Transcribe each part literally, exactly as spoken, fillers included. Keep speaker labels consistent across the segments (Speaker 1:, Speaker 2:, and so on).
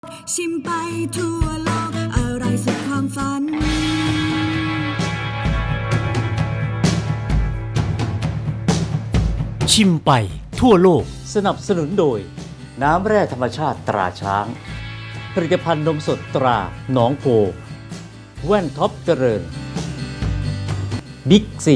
Speaker 1: ชิมไปทั่วโลกอร่อยสุดความฝัน
Speaker 2: ชิมไปทั่วโลกสนับสนุนโดยน้ำแร่ธรรมชาติตราช้างผลิตภัณฑ์นมสดตราหนองโพแว่นท็อปเจริญบิ๊กซี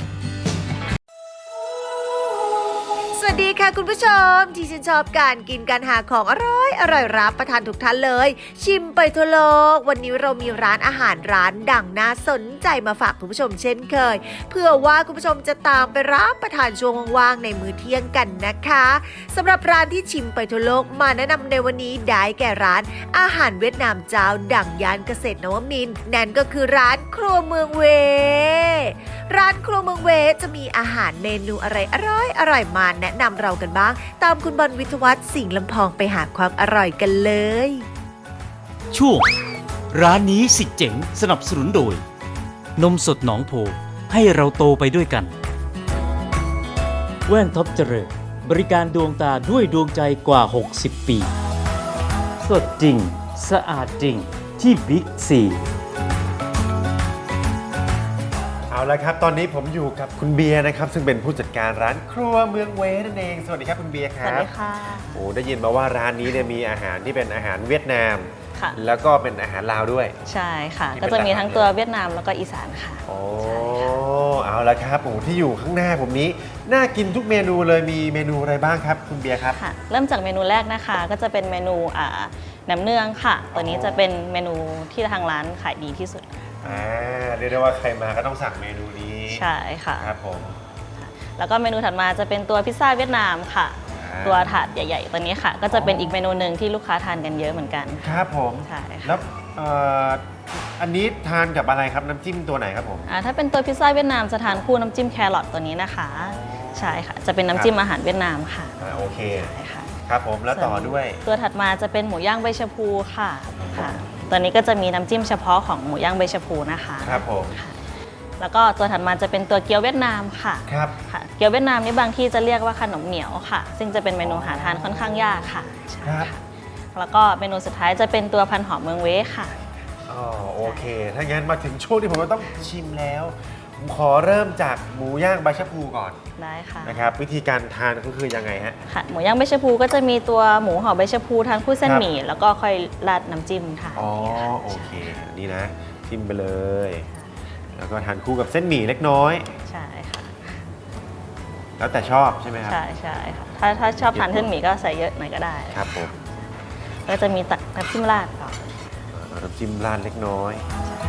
Speaker 3: สวัสดีค่ะคุณผู้ชมที่ชื่นชอบการกินการหาของอร่อยอร่อยรับประทานทุกท่านเลยชิมไปทั่วโลกวันนี้เรามีร้านอาหารร้านดังน่าสนใจมาฝากคุณผู้ชมเช่นเคยเพื่อว่าคุณผู้ชมจะตามไปรับประทานช่วงว่างๆในมื้อเที่ยงกันนะคะสำหรับร้านที่ชิมไปทั่วโลกมาแนะนำในวันนี้ได้แก่ร้านอาหารเวียดนามเจ้าดังย่านเกษตรนวมินทร์นั่นก็คือร้านครัวเมืองเวร้านครัวเมืองเวจะมีอาหารเมนูอะไรอร่อยอร่อยมาแนะนำเรากันบ้างตามคุณบอลวิทยวัฒน์สิงห์ลำพองไปหาความอร่อยกันเลย
Speaker 2: ช่วงร้านนี้สิเจ๋งสนับสนุนโดยนมสดหนองโพให้เราโตไปด้วยกันแว่นท็อปเจริญบริการดวงตาด้วยดวงใจกว่าหกสิบปีสดจริงสะอาดจริงที่บิ๊กซี
Speaker 4: เอาละครับตอนนี้ผมอยู่กับคุณเบียร์นะครับซึ่งเป็นผู้จัดการร้านครัวเมืองเวนั่นเองสวัสดีครับคุณเบียร์ครับ
Speaker 5: สวัสดีค่ะ
Speaker 4: โอ้ได้ยินมาว่าร้านนี้เนี่ยมีอาหารที่เป็นอาหารเวียดนาม
Speaker 5: ค่ะ
Speaker 4: แล้วก็เป็นอาหารลาวด้วย
Speaker 5: ใช่ค่ะ
Speaker 4: ที่
Speaker 5: ก็
Speaker 4: เป็น
Speaker 5: จะมีทั้งตัว
Speaker 4: หลักๆเลย
Speaker 5: เวียดนามแล้วก็อีสานค่ะ
Speaker 4: โอ้
Speaker 5: ใช่ค่ะ
Speaker 4: เอาละครับโอ้ที่อยู่ข้างหน้าผมนี้น่ากินทุกเมนูเลยมีเมนูอะไรบ้างครับคุณเบียร์ครับ
Speaker 5: ค่ะ เริ่มจากเมนูแรกนะคะ ก็จะเป็นเมนูอ่าน้ำเนืองค่ะ ตัวนี้จะเป็นเมนูที่ทางร้านขายดีที่สุด
Speaker 4: อ่าเรียกได้ว่าใครมาก็ต้องสั่งเมนูนี้
Speaker 5: ใช่ค่ะ
Speaker 4: ครับผม
Speaker 5: แล้วก็เมนูถัดมาจะเป็นตัวพิซซ่าเวียดนามค่ะ ตัวถาดใหญ่ๆตัวนี้ค่ะ ก็จะเป็นอีกเมนูหนึ่งที่ลูกค้าทานกันเยอะเหมือนกัน
Speaker 4: ครับผม
Speaker 5: ใช่ค่ะ
Speaker 4: แล้วเอ่ออันนี้ทานกับอะไรครับน้ำจิ้มตัวไหนครับผม
Speaker 5: อ่าถ้าเป็นตัวพิซซ่าเวียดนามจะทานคู่น้ำจิ้มแครอทตัวนี้นะคะใช่ค่ะจะเป็นน้ำจิ้มอาหารเวียดนามค่ะ
Speaker 4: อ่าโอเค
Speaker 5: ใช่ค่ะ
Speaker 4: ครับผมแล้วต่อด้วย
Speaker 5: ตัวถัดมาจะเป็นหมูย่างใบชะพูค่ะค่ะตัวนี้ก็จะมีน้ำจิ้มเฉพาะของหมูย่างใบชะพูนะคะ
Speaker 4: ครับผม
Speaker 5: แล้วก็ตัวถัดมาจะเป็นตัวเกี๊ยวเวียดนามค่ะ
Speaker 4: ครับ
Speaker 5: ค่ะเกี๊ยวเวียดนามนี่บางที่จะเรียกว่าขนมเหนียวค่ะซึ่งจะเป็นเมนูหาทานค่อนข้างยากค่ะใช่ค่ะแล้วก็เมนูสุดท้ายจะเป็นตัวพันหอมเมืองเว้ค่ะ
Speaker 4: อ๋อโอเคถ้างั้นมาถึงช่วงที่ผมต้องชิมแล้วผมขอเริ่มจากหมูย่างใบชะพูก่อน
Speaker 5: ได้ค่ะ
Speaker 4: นะครับวิธีการทานก็คือยังไงฮะ
Speaker 5: ค่ะหมูย่างใบชะพูก็จะมีตัวหมูห่อใบชะพูทานคู่เส้นหมี่แล้วก็ค่อยราดน้ำจิ้มทาน
Speaker 4: อ๋อโอเคนี่นะจิ้มไปเลยแล้วก็ทานคู่กับเส้นหมี่เล็กน้อย
Speaker 5: ใช่ค่ะ
Speaker 4: แล้วแต่ชอบใช่ไหมครับ
Speaker 5: ใช่ใช่ค่ะถ้าถ้าชอบทานเส้นหมี่ก็ใส่เยอะหน่อยก็ได้
Speaker 4: ครับผม
Speaker 5: ก็จะมีตักน้ำจิ้มราดก่อน
Speaker 4: น้ำจิ้มราดเล็กน้อย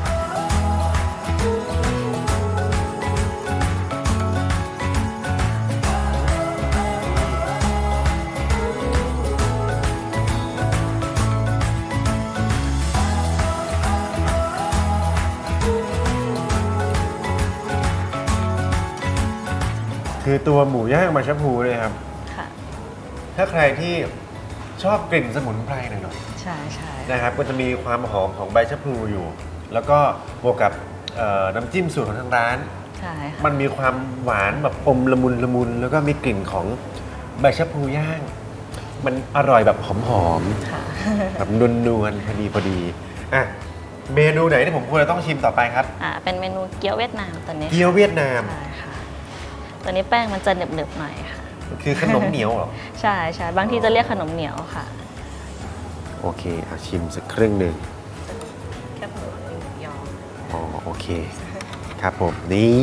Speaker 4: คือตัวหมูย่างใบชะพูเลยครับ
Speaker 5: ค่ะ
Speaker 4: ถ้าใครที่ชอบกลิ่นสมุนไพรหน่อย
Speaker 5: ๆใช่ใช่
Speaker 4: นะครับก็จะมีความหอมของใบชะพูอยู่แล้วก็บวกกับน้ำจิ้มสูตรของทางร้าน
Speaker 5: ใช่ค่ะ
Speaker 4: มันมีความหวานแบบอมละมุนละมุนแล้วก็มีกลิ่นของใบชะพูย่างมันอร่อยแบบหอมๆแบบนวลๆพอดีพอดีอ่ะเมนูไหนที่ผมควรจะต้องชิมต่อไปครับ
Speaker 5: อ่าเป็นเมนูเกี๊ยวเวียดนามตัวนี้
Speaker 4: เกี๊ยวเวียดนาม
Speaker 5: ใช่ค่ะตัวนี้แป้งมันจะหนึบๆหน่อยค่ะ
Speaker 4: คือขนมเหนียวเหรอ
Speaker 5: ใช่ใช่บางทีจะเรียกขนมเหนียวค่ะ
Speaker 4: โอเคเอาชิมสักครึ่งหนึ่ง
Speaker 5: แค่หมูยอ
Speaker 4: อ๋อโอเคครับผมนี่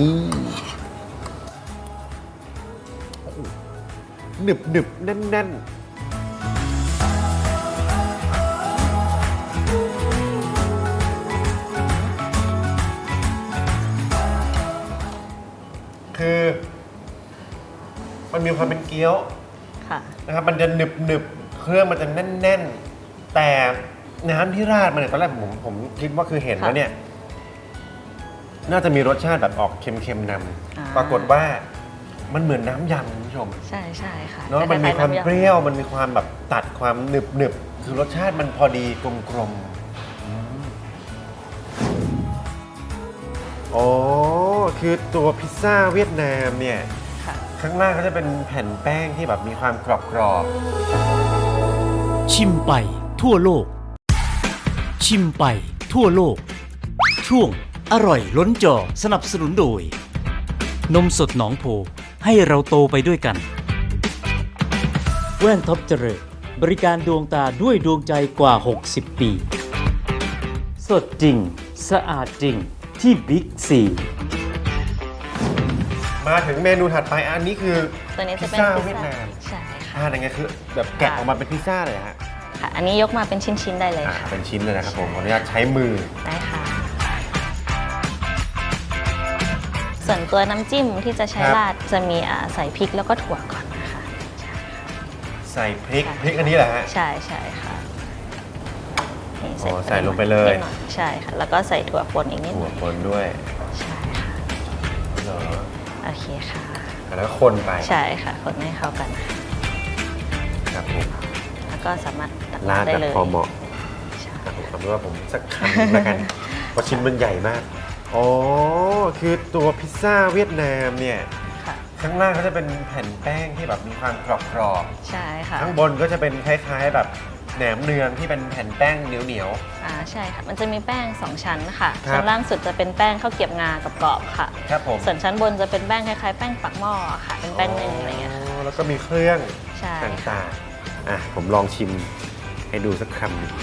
Speaker 4: หนึบหนึบแน่นแน่นคือมันมีความเป็นเกี๊ยวนะครับมันจะหนึบหนึบเครื่องมันจะแน่นแน่นแต่น้ำที่ราดมันเนี่ยตอนแรกผมผมคิดว่าคือเห็นแล้วเนี่ยน่าจะมีรสชาติแบบออกเค็มๆนำปรากฏว่ามันเหมือนน้ำยำคุณผู้ชม
Speaker 5: ใช่ใช่ค่ะ
Speaker 4: เนาะมันมีความเปรี้ยวมันมีความแบบตัดความหนึบหนึบคือรสชาติมันพอดีกลมกลมอ๋อคือตัวพิซซ่าเวียดนามเนี่ยข้างล่างก็จะเป็นแผ่นแป้งที่แบบมีความกรอบๆ
Speaker 2: ชิมไปทั่วโลกชิมไปทั่วโลก ช่วงอร่อยล้นจอสนับสนุนโดย นมสดหนองโพให้เราโตไปด้วยกัน แว่นท็อปเจริญบริการดวงตาด้วยดวงใจกว่า หกสิบ ปี สดจริง สะอาดจริงที่บิ๊กซี
Speaker 4: มาถึงเมนูถัดไปอันนี้คือ
Speaker 5: ตัวนี้จะ
Speaker 4: พิซ
Speaker 5: เป็น
Speaker 4: ซ่า
Speaker 5: พิซ
Speaker 4: เวียด
Speaker 5: ซ่า
Speaker 4: นาม
Speaker 5: ใช่ค่ะ
Speaker 4: อ่ายังไงคือแบบแกะออกมาเป็นพิซซ่าเลยฮะ
Speaker 5: ค่ะ อันนี้ยกมาเป็นชิ้นๆได้เลย
Speaker 4: อ่า
Speaker 5: ค่ะ
Speaker 4: เป็นชิ้นเลยนะครับผมขออนุญาตใช้มือ
Speaker 5: ได้ค่ะ ส่วนตัวน้ำจิ้มที่จะใช้
Speaker 4: ครับ
Speaker 5: ราดจะมีอ่าใส่พริกแล้วก็ถั่วก่อนนะคะ
Speaker 4: ใส่พริก
Speaker 5: ค่ะ
Speaker 4: พริกอันนี้เหรอฮะ
Speaker 5: ใช่ใช่ค่ะนี่
Speaker 4: อ๋อใส่ลงไปเลย
Speaker 5: นิดหน่อใช่ค่ะ แล้วก็ใส่ถั่วป่นอีกนิดห
Speaker 4: ถั่ว
Speaker 5: น่อย
Speaker 4: ป่นด้วย
Speaker 5: ใช่ค่ะ
Speaker 4: เหรอ
Speaker 5: โอเคค่ะ
Speaker 4: แล้วก็คนไป
Speaker 5: ใช่ค่ะ คนให้เข้ากันค่ะ
Speaker 4: ครับผม
Speaker 5: แล้วก็สามารถตัก
Speaker 4: ราด
Speaker 5: ได้
Speaker 4: แบบ
Speaker 5: เลย
Speaker 4: พอเหมาะ
Speaker 5: ใช่
Speaker 4: อ่ะผมทำว่าผมสักคำหนึ่งแล้วกัน เพราะชิ้นมันใหญ่มาก อ๋อ คือตัวพิซซ่าเวียดนามเนี่ย
Speaker 5: ค่ะ
Speaker 4: ข้างล่างเขาจะเป็นแผ่นแป้งที่แบบมีความกรอบ
Speaker 5: ใช่ค่ะ
Speaker 4: ๆข้างบนก็จะเป็นคล้ายๆแบบแหนมเนืองที่เป็นแผ่นแป้งเหนียว
Speaker 5: อ่าใช่ค่ะ มันจะมีแป้งสองชั้นค่ะ
Speaker 4: ครับ
Speaker 5: ชั้นล่างสุดจะเป็นแป้งข้าวเกรี๊ยวงากับกรอบๆค่ะ
Speaker 4: ๆครับผม
Speaker 5: ส่วนชั้นบนจะเป็นแป้งคล้ายๆแป้งปักหม้อค่ะ เป็นแป้งนึ่งอะไรเงี้ยค่ะ
Speaker 4: แล้วก็มีเครื่อง
Speaker 5: ใช่
Speaker 4: ต่างๆ อ่ะ ผมลองชิมให้ดูสักคำหนึ่ง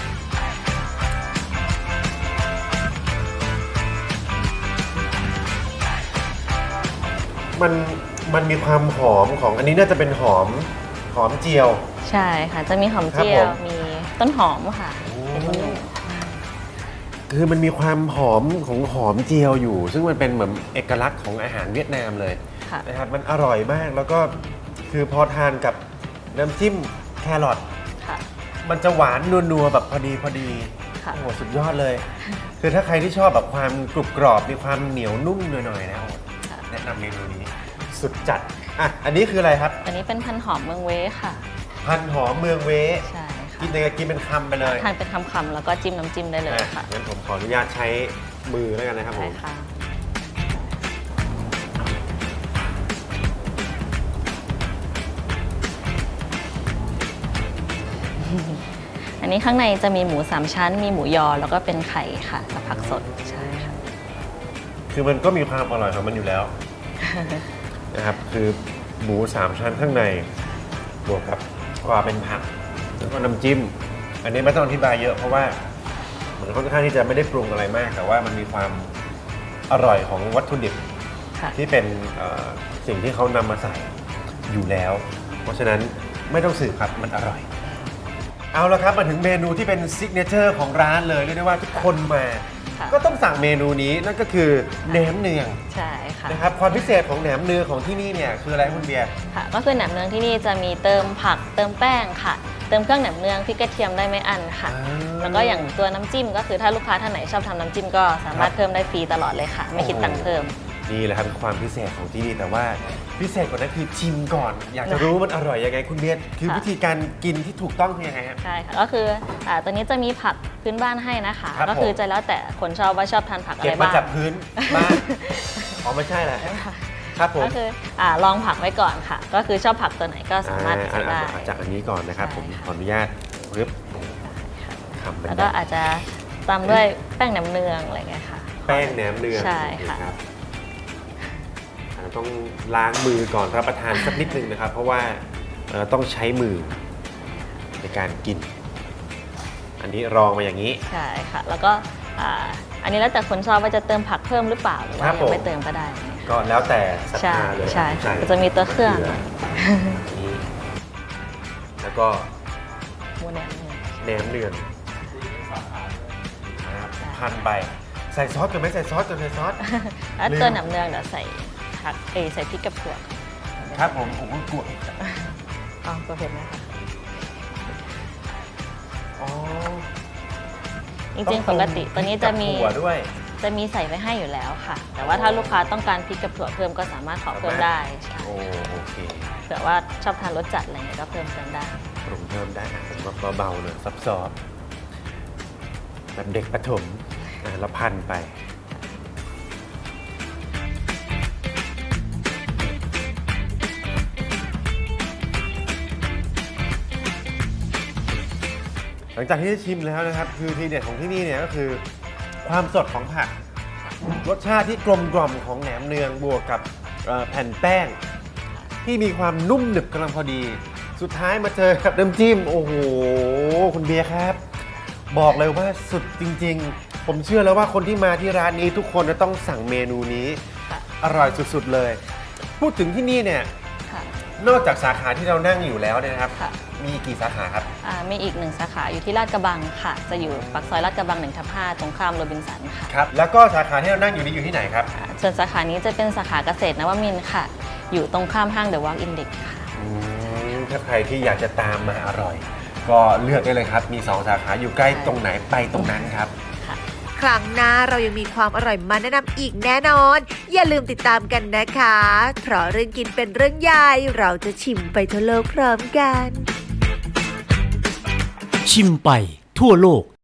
Speaker 4: มันมันมีความหอมของอันนี้น่าจะเป็นหอมหอมเจียว
Speaker 5: ใช่ค่ะ จะมีหอมเจี
Speaker 4: ครั
Speaker 5: ย
Speaker 4: บ
Speaker 5: ว
Speaker 4: ผม
Speaker 5: มีต้นหอมค่ะเป็นต้นหอม
Speaker 4: คือมันมีความหอมของหอมเจียวอยู่ ซึ่งมันเป็นเหมือนเอกลักษณ์ของอาหารเวียดนามเลย
Speaker 5: ค่ะ
Speaker 4: นะครับมันอร่อยมากแล้วก็คือพอทานกับน้ำจิ้มแครอท
Speaker 5: ค่ะ
Speaker 4: มันจะหวานนัวๆแบบพอดีพอดี
Speaker 5: ค่ะ
Speaker 4: โอ้โหสุดยอดเลย คือถ้าใครที่ชอบแบบความกรุบกรอบมีความเหนียวนุ่มหน่อยๆนะโอ้โห
Speaker 5: ค่ะ
Speaker 4: แนะนำเมนูนี้สุดจัดอ่ะอันนี้คืออะไรครับ
Speaker 5: อันนี้เป็นพันหอมเมืองเว้ค่ะ
Speaker 4: พันหอมเมืองเว
Speaker 5: ใช่ค่ะ
Speaker 4: กินยังไงกินเป็นคำไปเลย
Speaker 5: ทานเป็นคำๆแล้วก็จิ้มน้ำจิ้มได้เลย
Speaker 4: อ่ะ
Speaker 5: ค่ะ
Speaker 4: งั้นผมขออนุญาตใช้มือแล้วกันนะครับผ
Speaker 5: ใช่
Speaker 4: ม
Speaker 5: ค่ะ อันนี้ข้างในจะมีหมูสามชั้น มีหมูยอแล้วก็เป็นไข่ค่ะกับผักสดใช่ค่ะ
Speaker 4: คือมันก็มีความอร่อยของมันอยู่แล้ว นะครับคือหมูสามชั้นข้างในบวกกับความเป็นผักแล้วก็น้ำจิ้ม อันนี้ไม่ต้องอธิบายเยอะเพราะว่ามันค่อนข้างที่จะไม่ได้ปรุงอะไรมาก แต่ว่ามันมีความอร่อยของวัตถุดิบ
Speaker 5: ค่ะ
Speaker 4: ที่เป็นเอ่อสิ่งที่เขานำมาใส่อยู่แล้ว เพราะฉะนั้นไม่ต้องสืบครับมันอร่อย เอาละครับมาถึงเมนูที่เป็นซิกเนเจอร์ของร้านเลยเรียกได้ว่าทุกคนมา
Speaker 5: ค่ะ
Speaker 4: ก็ต้องสั่งเมนูนี้นั่นก็คือแหนมเนือง
Speaker 5: ใช่ค่ะ
Speaker 4: นะครับความพิเศษของแหนมเนืองของที่นี่เนี่ยคืออะไรคุณเบียร์
Speaker 5: ค่ะ ก็คือแหนมเนืองที่นี่จะมีเติมผักเติมแป้งค่ะ เติมเครื่องแหนมเนืองพริกกระเทียมได้ไม่อั้นค่ะ
Speaker 4: อ่า
Speaker 5: แล้วก็อย่างตัวน้ำจิ้มก็คือถ้าลูกค้าท่านไหนชอบทำน้ำจิ้มก็สามารถ
Speaker 4: ครับ
Speaker 5: เพิ่มได้ฟรีตลอดเลยค่ะ ไม่คิดตังค์เพิ่ม
Speaker 4: นี่แหละครับความพิเศษของที่นี่แต่ว่าพิเศษกว่านั้นคือชิมก่อน อยากจะรู้มันอร่อยยังไงคุณเบียร์คือ
Speaker 5: ค่ะ
Speaker 4: วิธีการกินที่ถูกต้องคือยังไงครับ
Speaker 5: ใช่ค่ะ ก็คืออ่าตัวนี้จะมีผักพื้นบ้านให้นะคะ
Speaker 4: ครับ
Speaker 5: ก็คือ
Speaker 4: ผม
Speaker 5: จะแล้วแต่คนชอบว่าชอบทานผักอะ
Speaker 4: เก็
Speaker 5: ไร
Speaker 4: บมา
Speaker 5: บ้าง
Speaker 4: จากพื้นบ้านอ๋อไม่ใช่แหละครับผม
Speaker 5: ก็คืออ่าลองผักไว้ก่อนค่ะ ก็คือชอบผักตัวไหนก็สามารถ
Speaker 4: อ่
Speaker 5: ใส่ได้
Speaker 4: อ่าจากอันนี้ก่อนนะครับ ผม
Speaker 5: ใช่ค่ะ
Speaker 4: ขออนุญาตปึ๊บทำเป็น
Speaker 5: แล้ว
Speaker 4: แบ
Speaker 5: ก็
Speaker 4: บ
Speaker 5: อาจจะตามด้วยแป้งแหนมเนืองอะไรเงี้ยค่ะ
Speaker 4: แป้งแหนมเนือง
Speaker 5: ใช่ค่ะ
Speaker 4: โอเรับอ่าต้องล้างมือก่อนรับประทานสักนิดนึงนะครับ เพราะว่าเอ่อต้องใช้มือในการกิน อันนี้รองมาอย่างนี้
Speaker 5: ใช่ค่ะ แล้วก็อ่าอันนี้แล้วแต่คนชอบว่าจะเติมผักเพิ่มหรือเปล่าหรือว่า
Speaker 4: ครับ
Speaker 5: ยัง
Speaker 4: ผม
Speaker 5: ไม่เติมก็ได้อะไรเงี้ย
Speaker 4: ก็แล้วแต่ศรัท
Speaker 5: ใช่
Speaker 4: ธาเลย
Speaker 5: ใช่ค่ะก็จะมีตัวเครื่อง
Speaker 4: นี่แล้วก็
Speaker 5: หมูแหนมเนือง
Speaker 4: แหนมเนืองนะครับพันไปใส่ซอสกันไหมใส่ซอสกันใส่ซอส
Speaker 5: แล้ว
Speaker 4: ลืม
Speaker 5: ตัวแหนมเนืองเดี๋ยวใส่ผักเอยใส่พริกกับถั่ว
Speaker 4: ครับผมโอ้โหกลัว
Speaker 5: อ๋อตัวเผ็ดไหมคะ
Speaker 4: อ๋อ
Speaker 5: จริงๆปกติตัวนี้จะมี
Speaker 4: กับถั่วด้วย
Speaker 5: จะมีใส่ไว้ให้อยู่แล้วค่ะ แต่ว่าถ้าลูกค้าต้องการพริกกับถั่วเพิ่มก็สามารถขอเพิ่มได้ใช่
Speaker 4: โอ้โอเค
Speaker 5: เผื่อว่าชอบทานรสจัดอะไรเงี้ยก็เพิ่มเติมได้
Speaker 4: ปรุงเพิ่มได้อ่ะผมว่าเบาๆหน่อยซับซอฟๆแบบเด็กประถมอ่ะแล้วพันไปหลังจากที่ได้ชิมแล้วนะครับ คือทีเด็ดของที่นี่เนี่ยก็คือความสดของผัก รสชาติที่กลมกล่อมของแหนมเนืองบวกกับเอ่อแผ่นแป้ง ที่มีความนุ่มหนึบกำลังพอดี สุดท้ายมาเจอกับน้ำจิ้ม โอ้โห คุณเบียร์ครับ บอกเลยว่าสุดจริงๆ ผมเชื่อแล้วว่าคนที่มาที่ร้านนี้ทุกคนจะต้องสั่งเมนูนี้
Speaker 5: ค่ะ
Speaker 4: อร่อยสุดๆเลย พูดถึงที่นี่เนี่ย
Speaker 5: ค่ะ
Speaker 4: นอกจากสาขาที่เรานั่งอยู่แล้วเนี่ยนะครับ
Speaker 5: ค่ะ
Speaker 4: มีกี่สาขาครับ
Speaker 5: อ่ามีอีกหนึ่งสาขาอยู่ที่ลาดกระบังค่ะ จะอยู่ปากซอยลาดกระบังหนึ่งทับห้าตรงข้ามโรบินสันค่ะ
Speaker 4: ครับ แล้วก็สาขาที่เรานั่งอยู่นี้อยู่ที่ไหนครับ
Speaker 5: อ่าส่วนสาขานี้จะเป็นสาขาเกษตรนวมินทร์ค่ะ อยู่ตรงข้ามห้างเดอะวอล์กอินเด็กค่ะ
Speaker 4: อืมถ้าใครที่อยากจะตามมาอร่อย ก็เลือกได้เลยครับ มีสองสาขาอยู่ใกล้ตรงไหนไปตรงนั้นครับ
Speaker 3: ครั้งหน้าเรายังมีความอร่อยมาแนะนำอีกแน่นอน อย่าลืมติดตามกันนะคะ เพราะเรื่องกินเป็นเรื่องใหญ่เราจะชิมไปทั่วโลกพร้อมกัน
Speaker 2: ชิมไปทั่วโลก